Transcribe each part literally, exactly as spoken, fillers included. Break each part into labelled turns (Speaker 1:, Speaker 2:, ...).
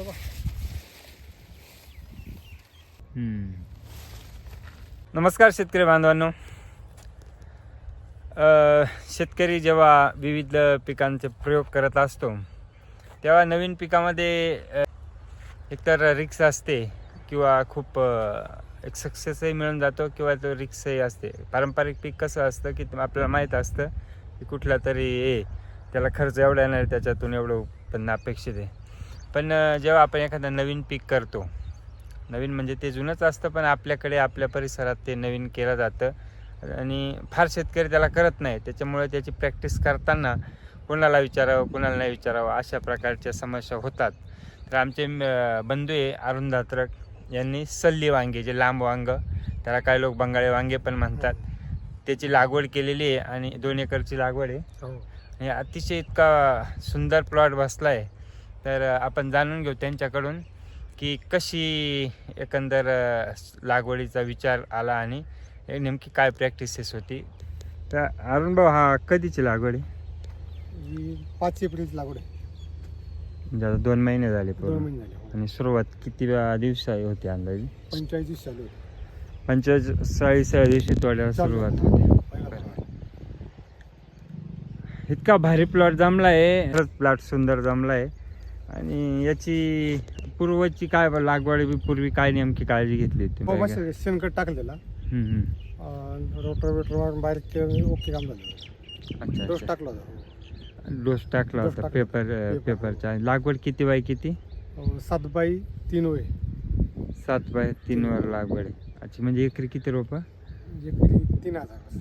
Speaker 1: हम्म. नमस्कार शेतकरी बांधवांनो. शेतकरी जेव्हा विविध पिकांचे प्रयोग करत असतो तेव्हा नवीन पिकामध्ये एकतर रिक्स असते किंवा खूप एक सक्सेसही मिळून जातो किंवा तो रिक्सही असते. पारंपरिक पीक कसं असतं की आपल्याला माहीत असतं की कुठला तरी ए त्याला खर्च एवढा येणार, त्याच्यातून एवढं उत्पन्न अपेक्षित आहे. पण जेव्हा आपण एखादं नवीन पीक करतो, नवीन म्हणजे ते जुनंच असतं पण आपल्याकडे आपल्या परिसरात ते नवीन केलं जातं आणि फार शेतकरी त्याला करत नाही. त्याच्यामुळे त्याची प्रॅक्टिस करताना कोणाला विचारावं कोणाला नाही विचारावं अशा प्रकारच्या समस्या होतात. तर आमचे बंधू आहे अरुण दात्रक यांनी सल्ली वांगे, जे लांब वांग, त्याला काही लोक बंगाळी वांगे पण म्हणतात, त्याची लागवड केलेली आहे आणि दोन एकरची लागवड आहे आणि अतिशय इतका सुंदर प्लॉट बसला आहे. तर आपण जाणून घेऊ त्यांच्याकडून की कशी एकंदर लागवडीचा विचार आला आणि नेमकी काय प्रॅक्टिसेस होती. तर अरुण भाऊ, हा कधीची लागवड आहे?
Speaker 2: पाच एप्रिलची लागवड आहे.
Speaker 1: म्हणजे आता दोन महिने झाले
Speaker 2: दोन
Speaker 1: पूर्ण.
Speaker 2: महिने झाले.
Speaker 1: आणि सुरुवात किती दिवसा होती अंदाजे?
Speaker 2: पंचेचाळीस दिवस चालू आहे.
Speaker 1: पंचेचाळीसाव्या दिवशी तोड्याला सुरुवात होती. इतका भारी प्लॉट जमला आहे, खरंच प्लॉट सुंदर जमला आहे. आणि याची पूर्वची काय लागवड पूर्वी काय नेमकी काळजी घेतली होती?
Speaker 2: शेणखत टाकलं त्याला, रोटर वेटर बारीक केलं, ओके काम झालं.
Speaker 1: अच्छा,
Speaker 2: डोस टाकला होता.
Speaker 1: डोस टाकला होता पेपर पेपरचा. लागवड किती बाय किती?
Speaker 2: सात बाय तीन होय.
Speaker 1: सात बाय तीन वर लागवड आहे. अच्छा, म्हणजे एकरी किती रोप?
Speaker 2: एकरी तीन हजार.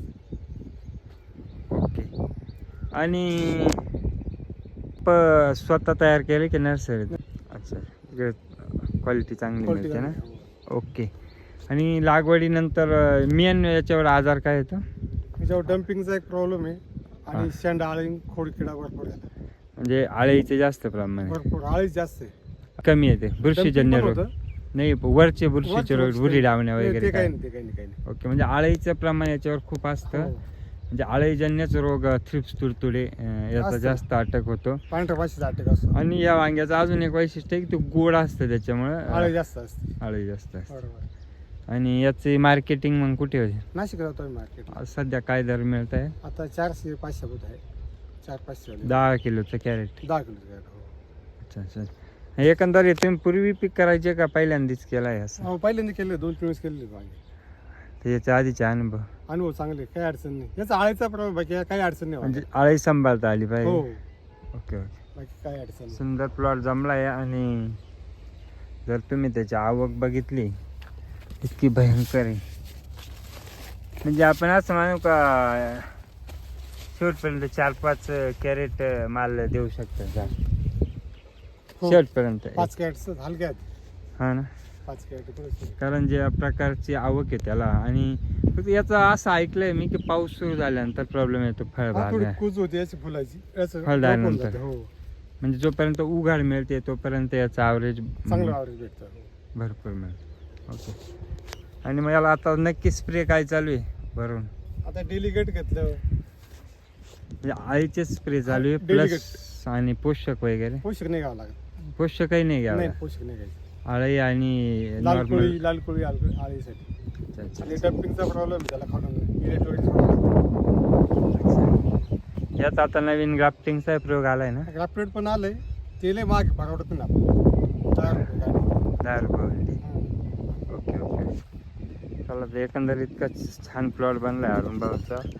Speaker 1: ओके. आणि प स्वतः तयार केले की नर्सरीत? अच्छा, क्वालिटी चांगली मिळते ना. ओके. आणि लागवडीनंतर मेन याच्यावर आजार काय येतो?
Speaker 2: याच्यावर डम्पिंगचा एक प्रॉब्लेम आहे आणि शेंड आळी खोडकिडा भरपूर झाला.
Speaker 1: म्हणजे आळीचे जास्त प्रमाण आहे?
Speaker 2: भरपूर आळी जास्त आहे.
Speaker 1: कमी येते बुरशीजन्य रोग? नाही, वरचे बुरशीचे रोग, बुरी डावण्या वगैरे काही नाही? ओके. म्हणजे आळीचं प्रमाण याच्यावर खूप असतं. म्हणजे आळीजन्यच रोग, थ्रिप्स, तुडतुडे याचा जास्त अटक होतो.
Speaker 2: पांढऱ्या भाषेचा अटक असतो.
Speaker 1: आणि या वांग्याचं अजून एक वैशिष्ट्य आहे की तो गोड असतं, त्याच्यामुळे
Speaker 2: आळी जास्त असते.
Speaker 1: आळी जास्त असते. आणि याची मार्केटिंग मग कुठे होते?
Speaker 2: नाशिक राहतो मार्केट.
Speaker 1: सध्या काय दर मिळत आहे?
Speaker 2: आता चारशे पाचशे होत आहे. चार पाचशे
Speaker 1: दहा किलोचं कॅरेट?
Speaker 2: दहा किलोचं कॅरेट.
Speaker 1: अच्छा अच्छा. एकंदरीत तुम्ही पूर्वी पीक करायचे का पहिल्यांदाच केला आहे असं?
Speaker 2: हो, पहिल्यांदा केले, दोन तीन वेळेस केलेले वांगे.
Speaker 1: तर याच्या आधीचे अनुभव?
Speaker 2: अनुभव चांगले, काही अडचण नाही. याचा आळीचा प्रॉब्लेम बाकी काही अडचण नाही.
Speaker 1: म्हणजे आळी सांभाळता आली पाहिजे.
Speaker 2: हो.
Speaker 1: Okay okay.
Speaker 2: बाकी काही अडचण नाही.
Speaker 1: सुंदर प्लॉट जमला आहे. आणि जर तुम्ही त्याची आवक बघितली इतकी भयंकर आहे, म्हणजे आपण असं मानू का शेवटपर्यंत चार पाच कॅरेट माल देऊ शकतात शेवटपर्यंत?
Speaker 2: पाच कॅरेट हलक्यात.
Speaker 1: हा ना.
Speaker 2: पाच कॅरेट.
Speaker 1: कारण ज्या प्रकारची आवक आहे त्याला. आणि फक्त याचं असं ऐकलंय मी की पाऊस सुरू झाल्यानंतर प्रॉब्लेम येतो फळबाग
Speaker 2: कुज होते याची फुलाची
Speaker 1: फळदानंतर. म्हणजे जोपर्यंत उघाड मिळते तोपर्यंत याचं ॲव्हरेज
Speaker 2: चांगलं ॲव्हरेज भेटतं,
Speaker 1: भरपूर मिळतं. ओके. आणि मग याला आता नक्की स्प्रे काय चालू आहे भरून?
Speaker 2: आता डेलिगेट घेतलं,
Speaker 1: म्हणजे आळीचे स्प्रे चालू आहे प्लस आणि पोषक वगैरे?
Speaker 2: पोषक नाही घ्यावं लागत.
Speaker 1: पोषकही नाही घ्यावं?
Speaker 2: पोषक नाही घ्यायचं.
Speaker 1: आळी आणि
Speaker 2: लाल कोळी लाल कोळी आळीसाठी. आणि डम्पिंगचा प्रॉब्लेम त्याला खालून
Speaker 1: यात आता नवीन ग्राफ्टिंगचा प्रयोग आलाय ना?
Speaker 2: ग्राफ्टेड पण आलंय. तेल मागे परवडत नाही आपण.
Speaker 1: दहा रुपये. Okay okay. चला, एकंदरीत इतका छान प्लॉट बनलाय अरुण भाऊचा.